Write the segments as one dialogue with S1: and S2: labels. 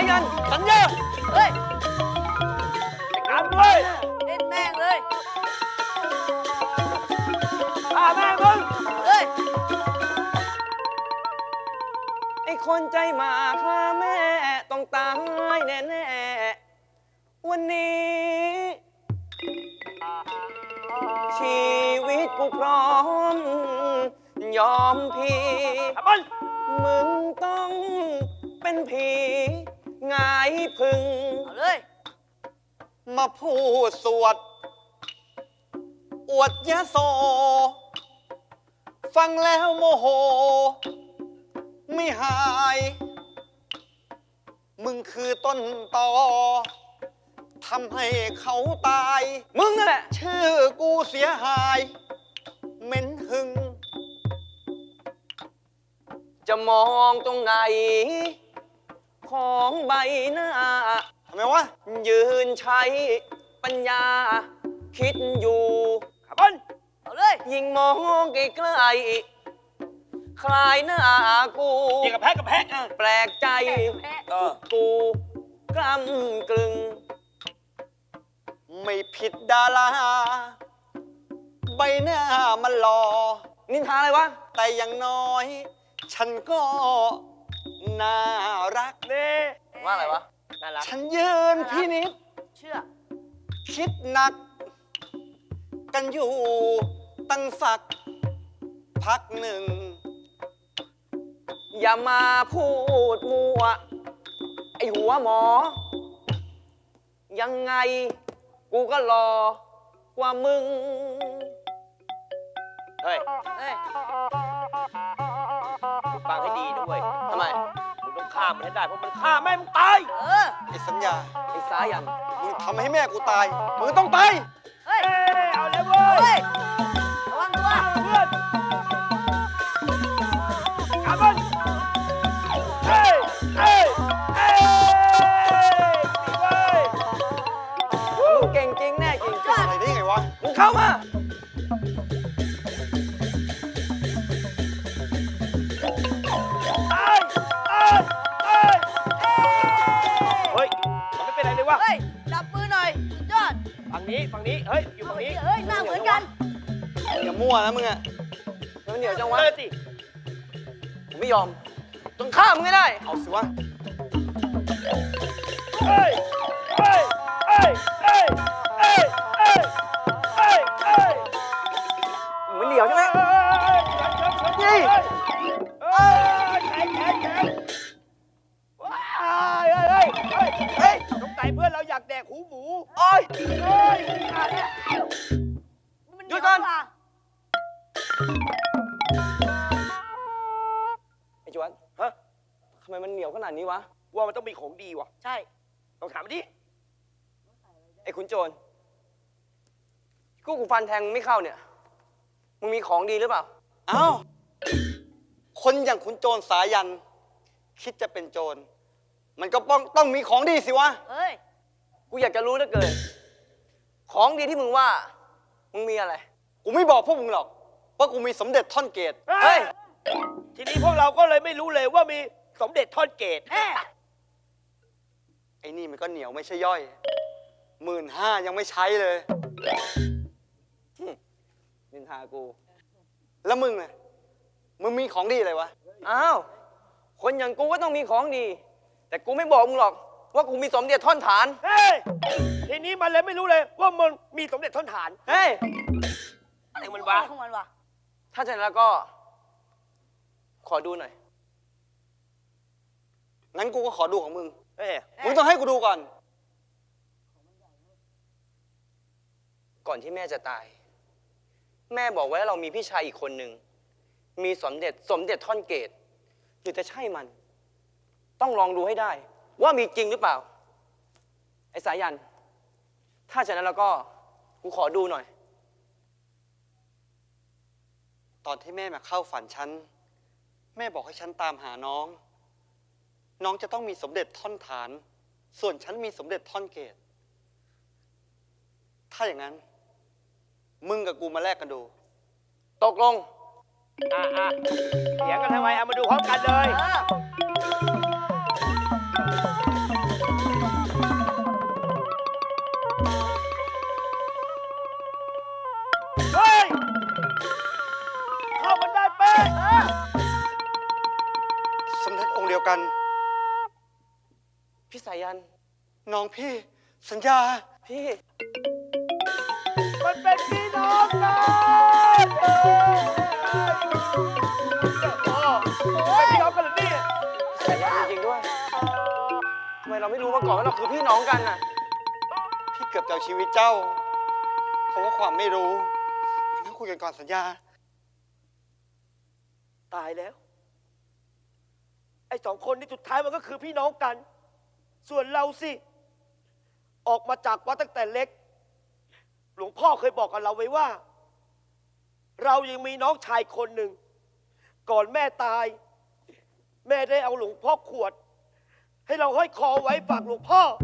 S1: ยัน
S2: สัญญา
S3: เฮ้ย
S2: จัดการด้วย
S3: เล่นแม่งเลย
S2: ฆ่าแม่มึง
S3: เฮ้ย
S1: ไอ้คนใจหมาฆ่าแม่ต้องตายแน่ๆวันนี้ ชีวิตกูพร้อม ยอมพี่
S2: ขับมัน
S1: มึงต้องเป็นผีหงายพึ่ง
S3: เอาเลย
S2: มาพูดสวด อวดยะโส ฟังแล้วโมโห ไม่หาย มึงคือต้นตอทำให้เขาตาย
S1: มึงนั่นแหละ
S2: ชื่อกูเสียหายเหม็นหึง
S1: จะมองตรงไหน ของใบหน้า
S2: ทำไมวะ
S1: ยืนใช้ปัญญา คิดอยู่
S2: ขับมัน
S3: เอาเลย
S1: ยิ่งมองไกลๆคลายหน้ากู
S2: ยิงกับแพะกับแพะ
S1: แปลกใจ
S3: แพ้
S1: กูกล้ำกลึง
S2: ไม่ผิดดาราใบหน้ามันหล่อ
S1: นินทาอะไรวะ
S2: แต่อย่างน้อย ฉันก็น่ารักเน่
S1: ว่าอะไรวะ
S3: น่ารัก
S2: ฉันยืนพินิจ
S3: เชื่อ
S2: คิดหนัก กันอยู่ตั้งสักพักหนึ่ง
S1: อย่ามาพูดมัว ไอหัวหมอ ยังไง กูก็รอกว่ามึง
S2: เฮ้ย
S3: เฮ้ย
S2: ฟังให้ดีด้วย
S1: ทำไม
S2: มึงต้องฆ่ามันให้ได้ เพราะมันฆ่าแม่มึงตาย
S3: เออ
S2: ไอ้สัญญา
S1: ไอ้สายัน
S2: มึงทำให้แม่กูตาย มึงต้องตาย
S3: เฮ้ย
S2: เอาเลยเว้
S3: เอาเลย
S2: ย
S3: ระวังตัว
S2: เพื่อนขับมันเฮ้ยเฮ้ยเฮ้ยดีเว้ย
S1: มึงเก่งจริงแน่จริง
S2: อะไรได้ไงวะ
S1: มึงเข้ามา
S2: ตายตายตายเฮ้ยมันไม่เป็นไรเลยวะ
S3: เฮ้ย จับมือหน่อย สุดยอด
S2: ฝั่งนี้ ฝั่งนี้ เฮ้ย อยู่ฝั่งนี้
S3: เฮ้ย หน้าเหมือนกัน
S2: อย่ามั่วนะมึงอะ
S1: มันเหนียวจังวะ
S2: เลิกสิ
S1: ผมไม่ยอม ต้องฆ่ามึงให้ได้
S2: เอาสิวะ เฮ้ย เฮ้ย เฮ้ย เฮ้ย เฮ้ย เฮ้ย เฮ้ย เฮ้ย
S1: มันเหนียวใช่ไหม
S2: นี่เฮ้ยแข็งแข็งแข็งว้ายเฮ้ย เฮ้ย เฮ้ยสงสัยเพื่อนเราอยากแดกหูหมู
S1: โอ้ย
S2: เฮ้ยมึงอ่ะเนี่ย
S3: มัน
S1: หยุดก่อน
S3: เว่า
S1: ไอ้จวน
S2: ฮะ
S1: ทำไมมันเหนียวขนาดนี้วะ
S2: ว่ามันต้องมีของดีว่ะ
S3: ใช่
S2: ต้องถามมันดิ
S1: ไอ้ขุนโจรกูฟันแทงมึงไม่เข้าเนี่ย มึงมีของดีหรือเปล่า
S2: เอ้า คนอย่างขุนโจรสายัน คิดจะเป็นโจร มันก็ต้องมีของดีสิวะ
S3: เฮ้ย
S1: กูอยากจะรู้เหลือเกิน ของดีที่มึงว่า มึงมีอะไร
S2: กูไม่บอกพวกมึงหรอกว่ากูมีสมเด็จท่อนเกต
S1: เฮ้ย
S4: ทีนี้พวกเราก็เลยไม่รู้เลยว่ามีสมเด็จทอดเกต
S3: แม่
S2: ไอ้นี่มันก็เหนียวไม่ใช่ย่อย 15,000ยังไม่ใช้เลย
S1: นินทากู
S2: แล้วมึงน่ะมึงมีของดีอะไรวะ
S1: อ้าว คนอย่างกูก็ต้องมีของดี แต่กูไม่บอกมึงหรอก ว่ากูมีสมเด็จท่อนฐาน
S4: เฮ้ย ทีนี้มันเลยไม่รู้เลยว่ามันมีสมเด็จทอดฐาน
S1: เฮ้ย
S4: อะไรมันวะ
S3: ของมันวะ
S1: ถ้าฉะนั้นแล้วก็ ขอดูหน่อย
S2: งั้นกูก็ขอดูของมึง
S4: เฮ้ย
S2: มึงต้องให้กูดูก่อน
S1: ก่อนที่แม่จะตาย แม่บอกไว้ว่าเรามีพี่ชายอีกคนหนึ่ง มีสมเด็จท่อนเกตหรือจะใช่มัน ต้องลองดูให้ได้ ว่ามีจริงหรือเปล่า ไอ้สายัน ถ้าฉะนั้นแล้วก็ กูขอดูหน่อย
S2: ตอนที่แม่มาเข้าฝันฉัน แม่บอกให้ฉันตามหาน้อง น้องจะต้องมีสมเด็จท่อนฐาน ส่วนฉันมีสมเด็จท่อนเกต ถ้าอย่างนั้น มึงกับกูมาแลกกันดู
S1: ตกลง
S4: เถียงกันทำไมเอามาดูพร้อมกันเลย
S3: เออ
S2: ยวกัน
S1: พี่สายัน
S2: น้องพี่ สัญญา
S1: พี่
S4: มันเป็นพี่น้องกันเป็นพี่น้องกันเหรอเนี่ย
S1: สายันจริงๆด้วยทำไมเราไม่รู้มาก่อนว่าเราคือพี่น้องกันน่ะ
S2: พี่เกือบจะเอาชีวิตเจ้า เพราะว่าความไม่รู้มานั่งคุยกันก่อนสัญญา
S4: ตายแล้ว ไอ้สองคนนี่สุดท้ายมันก็คือพี่น้องกัน ส่วนเราสิ ออกมาจากวัดตั้งแต่เล็ก หลวงพ่อเคยบอกกับเราไว้ว่า เรายังมีน้องชายคนหนึ่ง ก่อนแม่ตาย แม่ได้เอาหลวงพ่อขวด ให้เราห้อยคอไว้ฝากหลวงพ่อ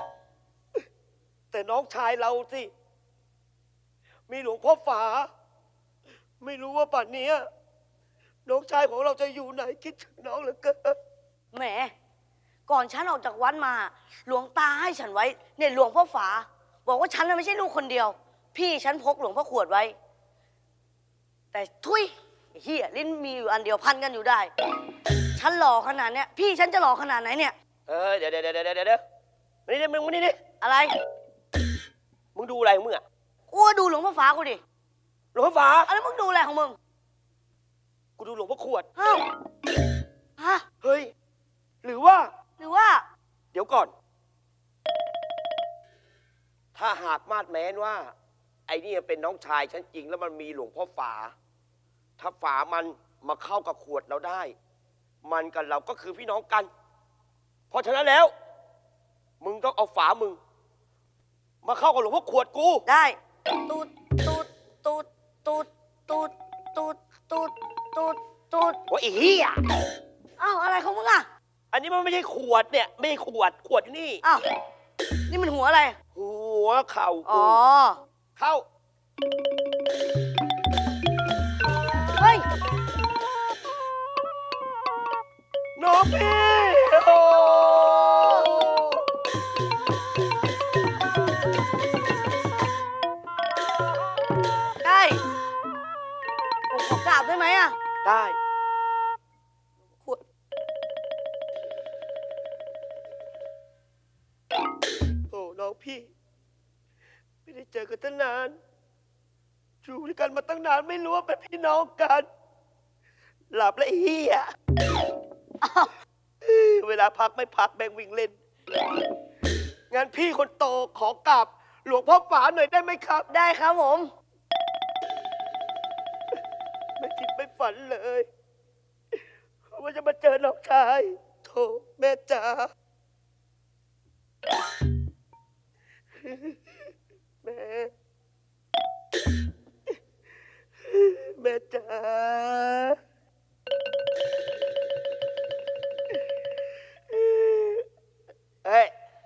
S4: แต่น้องชายเราสิ มีหลวงพ่อฝา ไม่รู้ว่าป่านนี้น้องชายของเราจะอยู่ไหนคิดถึงน้องเหลือเกิน
S3: แหม ก่อนฉันออกจากวัดมา หลวงตาให้ฉันไว้ เนี่ยหลวงพ่อฝา บอกว่าฉันน่ะไม่ใช่ลูกคนเดียว พี่ฉันพกหลวงพ่อขวดไว้ แต่ทุยไอ้เฮียลิ้นมีอยู่อันเดียวพันกันอยู่ได้ ฉันหล่อขนาดเนี้ย พี่ฉันจะหล่อขนาดไหนเนี่ย
S4: เดี๋ยวมานี่ดิมึงมานี่ดิ
S3: อะไร
S4: มึงดูอะไรของมึงอะ
S3: กูก็ดูหลวงพ่อฝากูดิ
S4: หลวงพ่อฝา
S3: อะไรมึงดูอะไรของมึง
S4: กูดูหลวงพ่อขวด
S3: อ้าวฮะ
S4: เฮ้ย หรือว่า
S3: หรือว่า
S4: เดี๋ยวก่อน ถ้าหากมาดแม้นว่า ไอ้นี่เป็นน้องชายฉันจริงแล้วมันมีหลวงพ่อฝา ถ้าฝามันมาเข้ากับขวดเราได้ มันกับเราก็คือพี่น้องกัน เพราะฉะนั้นแล้ว มึงต้องเอาฝามึง มาเข้ากับหลวงพ่อขวดกู
S3: ได้ ตูดตูดตูดตูดตูดตูดตูดตูดตูด
S4: ว่าอีเหี้ย
S3: อ้าวอะไรของมึงอ่ะ
S4: อันนี้มันไม่ใช่ขวดเนี่ย ไม่ใช่ขวดอยู่นี่
S3: อ้าว นี่มันหัวอะไร
S4: หัวเข่า
S3: อ๋
S4: กู
S3: อ
S4: เข้า
S3: เฮ้ย
S4: น้องพี่โอ้
S3: ได้ผมขอกราบได้ไหมอ่ะ
S4: ได้
S3: ขวด
S4: โอ้น้องพี่ ไม่ได้เจอกันตั้งนานอยู่ด้วยกันมาตั้งนานไม่รู้ว่าเป็นพี่น้องกัน หลับแล้วไอ้เฮีย
S3: อ้าว
S4: เวลาพักไม่พักแบ่งวิ่งเล่น งั้นพี่คนโตขอกราบหลวงพ่อฝาหน่อยได้ไหมครับ
S3: ได้ครับผม
S4: ไม่คิดไม่ฝันเลยว่าจะมาเจอน้องชายโถแม่จ๋าแม่แม่จ๋าเฮ้ย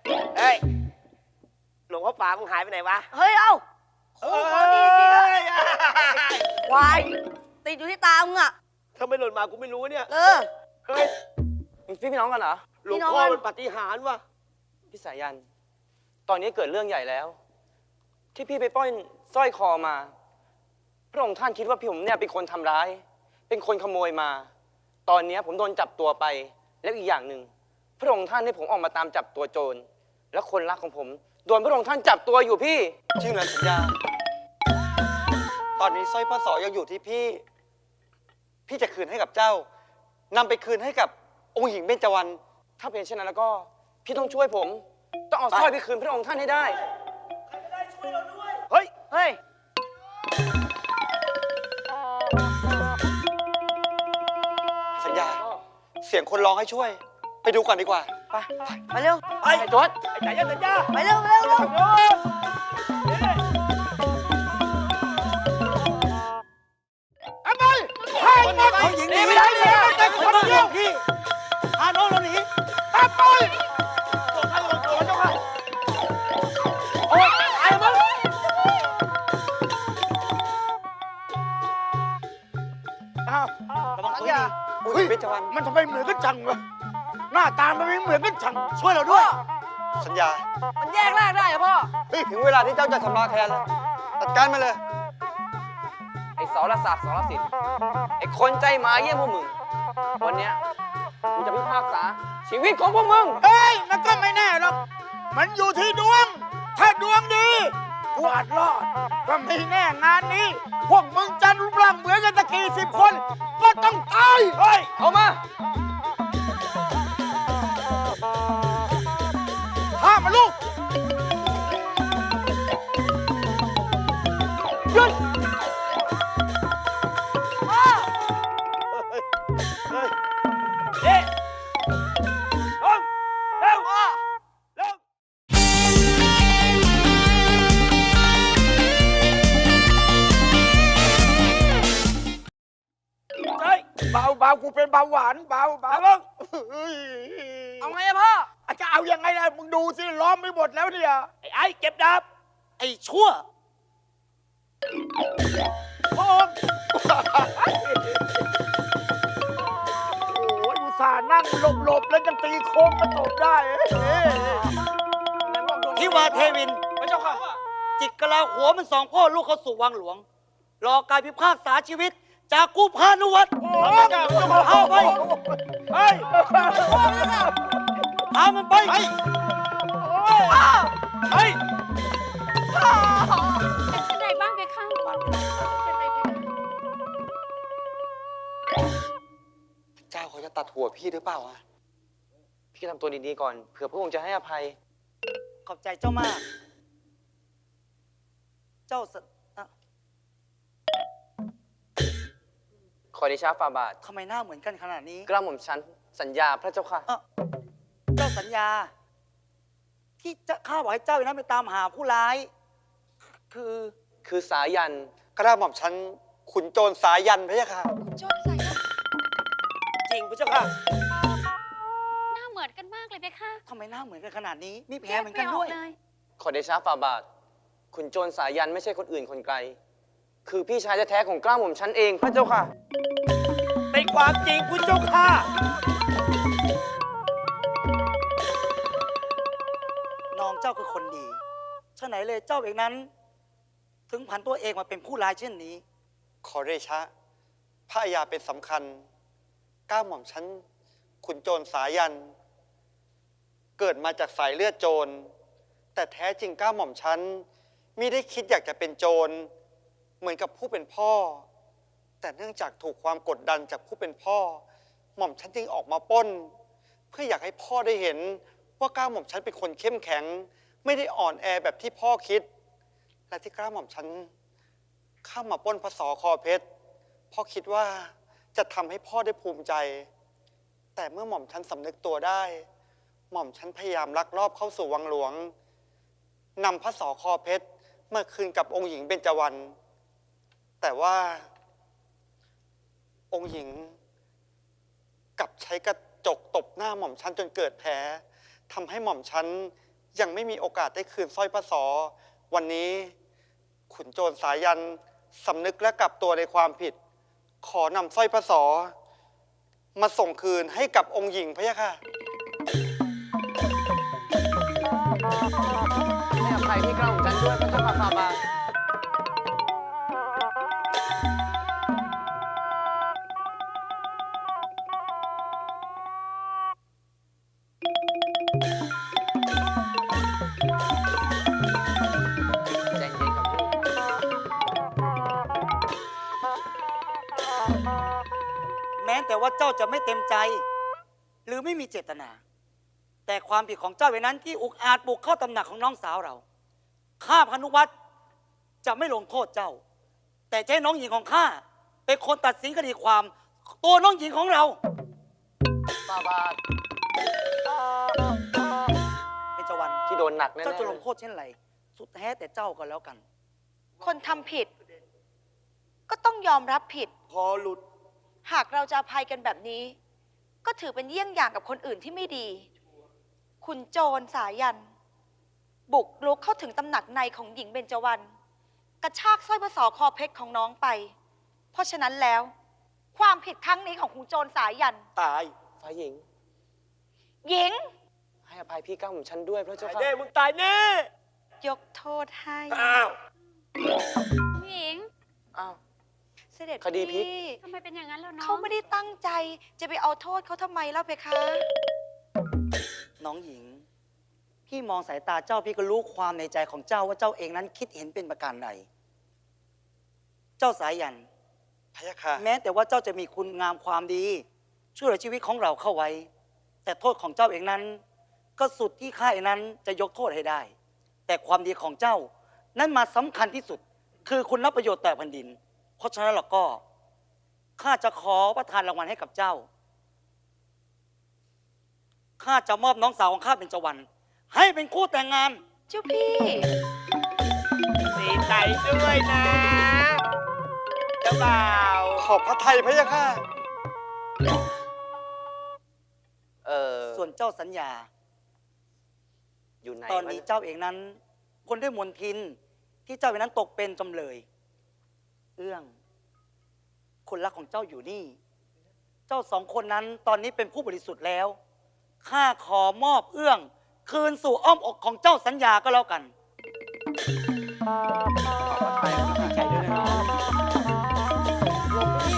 S4: หลวงพ่อฝามึงหายไปไหนวะ
S3: เฮ้ย เอ้าโอ้โหดีดีนะควาย ติดอยู่ที่ตามึงอ่ะ
S4: ถ้าไม่หล่นมากูไม่รู้เนี่ย
S3: เออ
S4: เฮ้ย
S1: พี่น้องกันเหรอ
S4: หลวง
S3: พี่น้อง
S4: พ่อ
S3: กัน
S4: มันปาฏิหาริย์ว่ะ
S1: พี่สายัน ตอนนี้เกิดเรื่องใหญ่แล้ว ที่พี่ไปปล้อยสร้อยคอมา พระองค์ท่านคิดว่าพี่ผมเนี่ยเป็นคนทำร้าย เป็นคนขโมยมา ตอนนี้ผมโดนจับตัวไป แล้วอีกอย่างหนึ่งพระองค์ท่านให้ผมออกมาตามจับตัวโจร และคนรักของผมโดนพระองค์ท่านจับตัวอยู่พี่
S2: จริงเหรอสัญญา ตอนนี้สร้อยพ่อสอยังอยู่ที่พี่ พี่จะคืนให้กับเจ้านำไปคืนให้กับองค์หญิงเบญจวรรณ
S1: ถ้าเป็นเช่นนั้นแล้วก็พี่ต้องช่วยผม ต้องเอาสร้อยไปคืนพระองค์ท่านให้ได้
S4: เฮ้ย
S3: เฮ้ย
S2: สัญญา เสียงคนร้องให้ช่วย ไปดูก่อนดีกว่า
S1: ไป
S3: ไปเร็ว
S4: ไอ้
S1: ไอ้จวด
S4: ไอ้จ่ายยันสัญญา
S3: ไปเร็วเร็วเร็ว
S4: โน้นไอ้บอลให้หมดหญิงหนีไม่ได้เลยแต่คนเดียวพี่พาน้องเราหนีไอ้บอลตัวข้าตัวเจ้าข้าโอ้ยไอ้บอล
S5: อ้าวระวังตัวให้ดี
S2: องค์หญิงเบญจวรรณ
S5: มันทำไมเหมือนกันจังวะหน้าตามันไม่เหมือนกันจัง ช่วยเราด้วย
S2: สัญญา
S3: มันแยกแรกได้เหรอพ่อ
S2: ถึงเวลาที่เจ้าจะทำลายแทนแล้ว จัดการมาเลย
S1: ไอ้สรศักดิ์สรสิทธิ์ไอ้คนใจหมาเยี่ยมพวกมึง วันเนี้ยกูจะพิพากษาชีวิตของพวกมึง
S5: เฮ้ย มันก็ไม่แน่หรอก มันอยู่ที่ดวง ถ้าดวงดีกูอาจรอด ก็ไม่แน่งานนี้ พวกมึงจะรูปร่างเหมือนกันสักกี่สิบคน ก็ต้องตาย เฮ้ย
S1: เอามา
S5: ห้ามมาลูก
S1: หยุด
S4: เอ๊ะลงเร็วลงเฮ้ย
S5: เบาเบากูเป็นเบาหวาน เบาเบา
S4: ลง
S1: เอาไงอะพ่อ
S5: จะเอายังไงล่ะ มึงดูสิ ล้อมไม่หมดแล้วเนี่ย
S4: ไอ้เก็บดาบ
S2: ไอ้ชั่ว
S5: พระองค์โอ้ยอุตส่าห์นั่งหลบๆ แล้วยังตีโค้งมาตบได้เอ้ย
S2: ที่วาเทวิน
S1: พระเจ้าค่ะ
S2: จิกกะลาหัวมันสองพ่อลูกเข้าสู่วังหลวง รอการพิพากษาชีวิต จากกู้พานุวัตร
S5: โอ้ย
S2: เอาไป
S4: เฮ้ย
S2: พามันไป
S4: เฮ้ย
S6: เป็นไงบ้างเพคะเป็นไรเพคะ
S2: เจ้าเขาจะตัดหัวพี่หรือเปล่าอะ
S1: พี่ทำตัวดีๆก่อน เผื่อพระองค์จะให้อภัย
S2: ขอบใจเจ้ามาก เจ้าสอ่ะ
S1: ขอเดชะฝ่าบาท
S2: ทำไมหน้าเหมือนกันขนาดนี้
S1: กล้าหม่อมฉันสัญญาพระเจ้าค่ะ
S2: เอ้าเจ้าสัญญา ที่จะข้าบอกให้เจ้าอย่างนั้นไปตามหาผู้ร้าย
S1: คือสายัน
S2: กระหม่อมฉันขุนโจรสายันพะยะค่ะ
S6: โจรใส่หน้า
S4: จริงพระเจ้าค่ะ
S6: เหมือนกันมากเลยเพคะ
S2: ทำไมหน้าเหมือนกันขนาดนี้ มีแผล
S6: แยก
S2: เหมือน
S6: ไม่
S2: กัน
S6: ออ
S2: ด้
S6: ก
S2: วย
S6: เลย
S1: ขอเดชะฝ่าบาท ขุนโจรสายันไม่ใช่คนอื่นคนไกล คือพี่ชายแท้ๆของกล้าหม่อมฉันเองพระเจ้าค่ะ
S4: เป็นความจริงพุทธเจ้าค่ะ
S2: น้องเจ้าคือคนดีฉะไหนเลยเจ้าเองนั้น ถึงผันตัวเองมาเป็นผู้ร้ายเช่นนี้ ขอเดชะ พระยาเป็นสำคัญก้าหม่อมฉันขุนโจรสายัน เกิดมาจากสายเลือดโจร แต่แท้จริงก้าหม่อมฉันมิได้คิดอยากจะเป็นโจร เหมือนกับผู้เป็นพ่อ แต่เนื่องจากถูกความกดดันจากผู้เป็นพ่อ หม่อมฉันจึงออกมาปล้น เพื่ออยากให้พ่อได้เห็นว่าก้าหม่อมฉันเป็นคนเข้มแข็ง ไม่ได้อ่อนแอแบบที่พ่อคิด และที่ก้าหม่อมฉันเข้ามาปล้นพระสอคอเพชรพ่อคิดว่าจะทำให้พ่อได้ภูมิใจ แต่เมื่อหม่อมฉันสำนึกตัวได้ หม่อมฉันพยายามลักลอบเข้าสู่วังหลวงนำพระสอคอเพชรมาคืนกับองค์หญิงเบญจวรรณแต่ว่าองค์หญิงกลับใช้กระจกตบหน้าหม่อมฉันจนเกิดแผลทำให้หม่อมฉันยังไม่มีโอกาสได้คืนสร้อยพระสอวันนี้ขุนโจรสายันสำนึกและกลับตัวในความผิด ขอนำสร้อยพระสอมาส่งคืนให้กับองค์หญิงพะยะค่ะ
S1: ให้อภัยพี่กล้าหม่อมฉันด้วยพระเจ้าค่ะฝ่าบาท ใจเย็นครับพี่
S2: แม้แต่ว่าเจ้าจะไม่เต็มใจ หรือไม่มีเจตนา แต่ความผิดของเจ้าเวนั้นที่อุกอาจบุกเข้าตำหนักของน้องสาวเราข้าพานุวัตรจะไม่ลงโทษเจ้า แต่จะให้น้องหญิงของข้าเป็นคนตัดสินคดีความตัวน้องหญิงของเรา
S1: ฝ่าบาท
S2: เป็นจวัน
S1: ที่โดนหนักแน่ๆ
S2: เจ้าจะลงโทษเช่นไร สุดแท้แต่เจ้าก็แล้วกัน
S7: คนทำผิด ก็ต้องยอมรับผิด
S4: พอหลุด
S7: หากเราจะอภัยกันแบบนี้ ก็ถือเป็นเยี่ยงอย่างกับคนอื่นที่ไม่ดี คุณโจรสายัน บุกรุกเข้าถึงตำหนักในของหญิงเบญจวรรณกระชากสร้อยพระสอคอเพชรของน้องไป เพราะฉะนั้นแล้ว ความผิดครั้งนี้ของคุณโจรสายัน
S4: ตาย
S1: ฝ่ายหญิง
S7: หญิง
S1: ให้อภัยพี่กล้าหม่อมฉันด้วยพระเจ้า
S4: ตาย
S1: ค่ะ
S4: แน่มึงตายแน่
S7: ยกโทษให้
S4: อ้าว
S6: ผู้หญิง
S1: อ้าว
S7: เสด็จ
S1: คดีพลิก
S7: พี่
S6: ทำไมเป็นอย่างนั้นแล้วน้อง
S7: เขาไม่ได้ตั้งใจจะไปเอาโทษเขาทำไมเล่าเพคะ
S2: น้องหญิง พี่มองสายตาเจ้าพี่ก็รู้ความในใจของเจ้าว่าเจ้าเองนั้นคิดเห็นเป็นประการใด เจ้าสายัน
S4: พะยะค่ะ
S2: แม้แต่ว่าเจ้าจะมีคุณงามความดี ช่วยเหลือชีวิตของเราเข้าไว้ แต่โทษของเจ้าเองนั้น ก็สุดที่ข้าเองนั้นจะยกโทษให้ได้ แต่ความดีของเจ้านั้นมาสำคัญที่สุด คือคุณรับประโยชน์ต่อแผ่นดิน เพราะฉะนั้นเราก็ข้าจะขอประทานรางวัลให้กับเจ้าข้าจะมอบน้องสาวของข้าเป็นจวันให้เป็นคู่แต่งงาน
S7: เจ้าพี่
S5: ดีใจด้วยนะ เจ้าบ่าว
S4: ขอบพระทัยพะยะค่ะ
S2: ส่วนเจ้าสัญญา
S1: อยู่ไหน
S2: ตอนนี้
S1: วะ
S2: เจ้าเองนั้น คนด้วยมนทินที่เจ้าเองนั้นตกเป็นจำเลย เอื้อง คนรักของเจ้าอยู่นี่ เจ้าสองคนนั้นตอนนี้เป็นผู้บริสุทธิ์แล้วข้าขอมอบเอื้อง คืนสู่อ้อมอกของเจ้าสัญญาก็แล้วกัน
S1: ดีใจด้วยนะลงไปดิ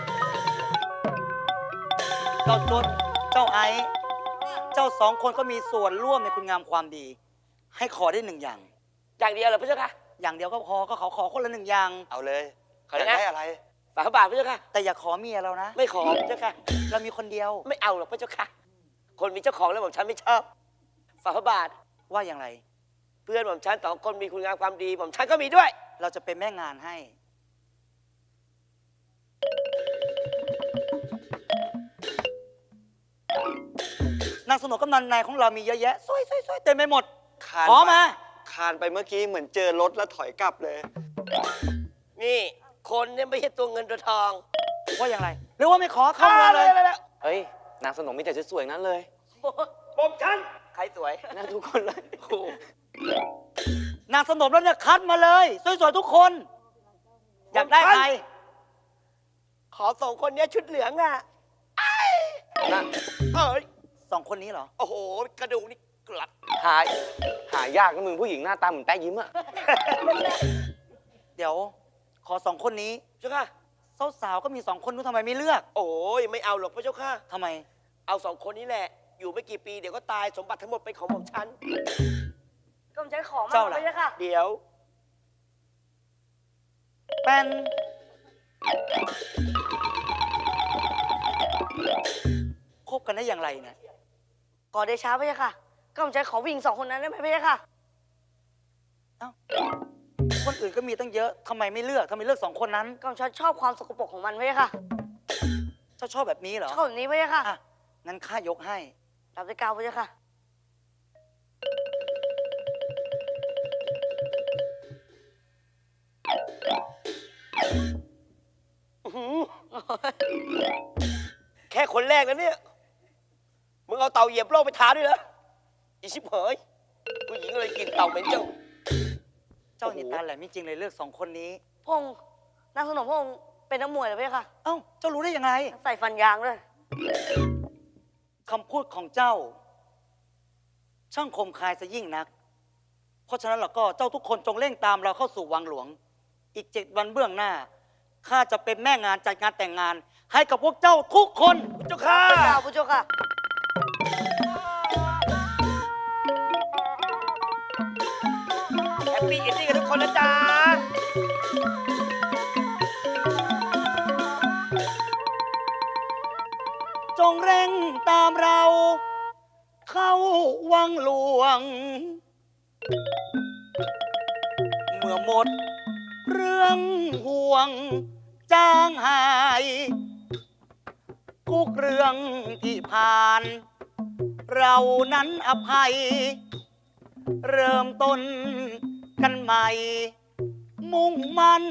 S2: เจ้าจดเจ้าไอซ์เจ้าสองคนก็มีส่วนร่วมในคุณงามความดี ให้ขอได้หนึ่งอย่าง
S8: อย่างเดียวเหรอพระเจ้าค่ะ
S2: อย่างเดียวก็พอก็ขอคนละหนึ่งอย่าง
S4: เอาเลย
S8: ขอ
S4: อยาก
S8: นะ
S4: ได้อะไร
S8: ฝาพระบาทพระเจ้าค่ะ
S2: แต่อย่าขอเมียเรานะ
S8: ไม่ขอพระเจ้าค่ะ
S2: เรามีคนเดียว
S8: ไม่เอาหรอกพระเจ้าค่ะ คนมีเจ้าของแล้วผมฉันไม่ชอบ ฝาพระบาท
S2: ว่าอย่างไร
S8: เพื่อนผมฉันสองคนมีคุณงามความดีผมฉันก็มีด้วย
S2: เราจะเป็นแม่งานให้ นางสนมกำนันในของเรามีเยอะแยะสวยๆๆเต็มไปหมด
S4: คาน
S2: ขอมา
S4: คานไปเมื่อกี้เหมือนเจอรถแล้วถอยกลับเลย
S8: นี่ คนเนี่ยไม่ใช่ตัวเงินตัวทอง
S2: ว่าอย่างไร หรือว่าไม่ขอเข้าเมืองเลย
S1: เฮ้ย นางสนมมีแต่สวยๆนั้นเลย
S8: ผมฉัน ใครสวย
S1: น่าทุกคนเลย
S8: โอ้โห
S2: นางสนมแล้วเนี่ยคัดมาเลย สวยๆทุกคน อยากได้ใคร
S8: ขอส่งคนเนี้ยชุดเหลืองอ่ะ
S1: นะ
S8: เอ้ย
S2: สองคนนี้เหรอ
S8: โอ้โห กระดูกนี่กลัด
S1: หายากนะมึงผู้หญิงหน้าตาเหมือนแป๊ะยิ้มอะ
S2: เดี๋ยว ขอสองคนนี้
S8: เจ้าค่ะ
S2: สาวๆก็มีสองคนนู้นทำไมไม่เลือก
S8: โอ้ยไม่เอาหรอกพระเจ้าค่ะ
S2: ทำไม
S8: เอาสองคนนี้แหละ อยู่ไม่กี่ปีเดี๋ยวก็ตายสมบัติทั้งหมดเป็นของผมฉัน
S3: ก็ใช้ของมา
S2: เจ้าล่ะ
S3: ไม่ใช่ค่ะ
S8: เดี๋ยว
S2: เป็น คบกันได้อย่างไรเนี่ย
S3: ก่อนเดช้าไม่ใช่ค่ะ ก็ใช้ขอวิ่งสองคนนั้นได้ไหมไม่ใช่ค่ะ
S2: เอ้า คนอื่นก็มีตั้งเยอะทำไมไม่เลือกทำไมเลือกสองคนนั้น
S3: ก็ฉันชอบความสกปรกของมันไม่ใช่ค่ะ
S2: เจ้าชอบแบบนี้เหรอ
S3: ชอบแบบนี้ไม่ใช่ค่ะ
S2: อ่ะ งั้นข้ายกให้
S3: รับด้วยกาวไม่ใช่ค่ะ
S8: แค่คนแรกนะเนี่ย มึงเอาเต่าเหยียบโลกไปทาด้วยเหรออีชิบเหยผู้หญิงอะไรกินเต่าเป็นเจ้า
S2: เจ้านี่ตาแหลมจริงๆเลยเลือกสองคนนี้
S3: พงษ์นางสนมพงษ์เป็นนักมวยเหรอพี่ค่ะ
S2: เอ้า เจ้ารู้ได้ยังไง
S3: ใส่ฟันยางด้วย
S2: คำพูดของเจ้า ช่างคมคายซะยิ่งนัก เพราะฉะนั้นเราก็เจ้าทุกคนจงเร่งตามเราเข้าสู่วังหลวง อีก7 วันเบื้องหน้าข้าจะเป็นแม่งานจัดงานแต่งงาน ให้กับพวกเจ้าทุกคน
S8: เจ้าค่ะ
S3: รับด้วยกาวผู้เจ้าค่ะ
S8: แฮปปี้เอนดิ้งกันทุกคนนะจ๊ะ
S2: จงเร่งตามเรา เข้าวังหลวง เมื่อหมดเรื่องห่วงจางหายทุกเรื่องที่ผ่าน เรานั้นอภัย เริ่มต้นกันใหม่ มุ่งมั่น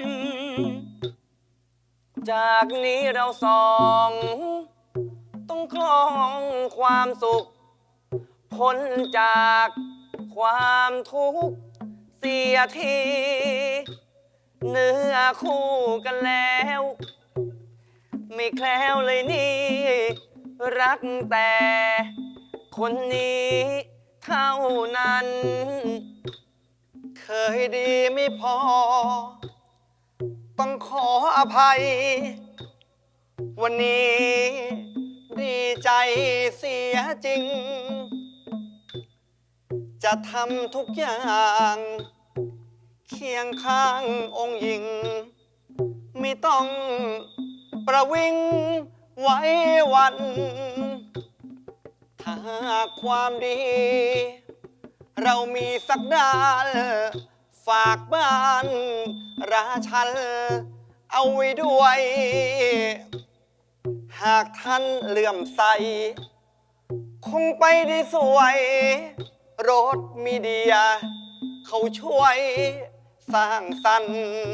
S1: จากนี้เราสองต้องครองความสุข พ้นจากความทุกข์เสียทีเนื้อคู่กันแล้ว ไม่แคล้วเลยนี่ รักแต่คนนี้เท่านั้น
S4: เคยดีไม่พอ
S2: ต้องขออภัย วันนี้ดีใจเสียจริง จะทำทุกอย่างเคียงข้างองค์หญิง ไม่ต้องประวิงไว้วัน ถ้าหากความดี เรามีสักดานฝากบ้านราชันเอาไว้ด้วย หากท่านเลื่อมใส คงไปได้สวยรถมีเดีย เขาช่วยสร้างสรรค์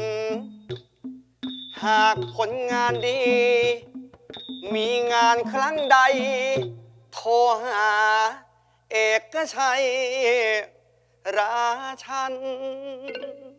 S2: หากผลงานดี มีงานครั้งใด โทรหาเอกชัยราชัน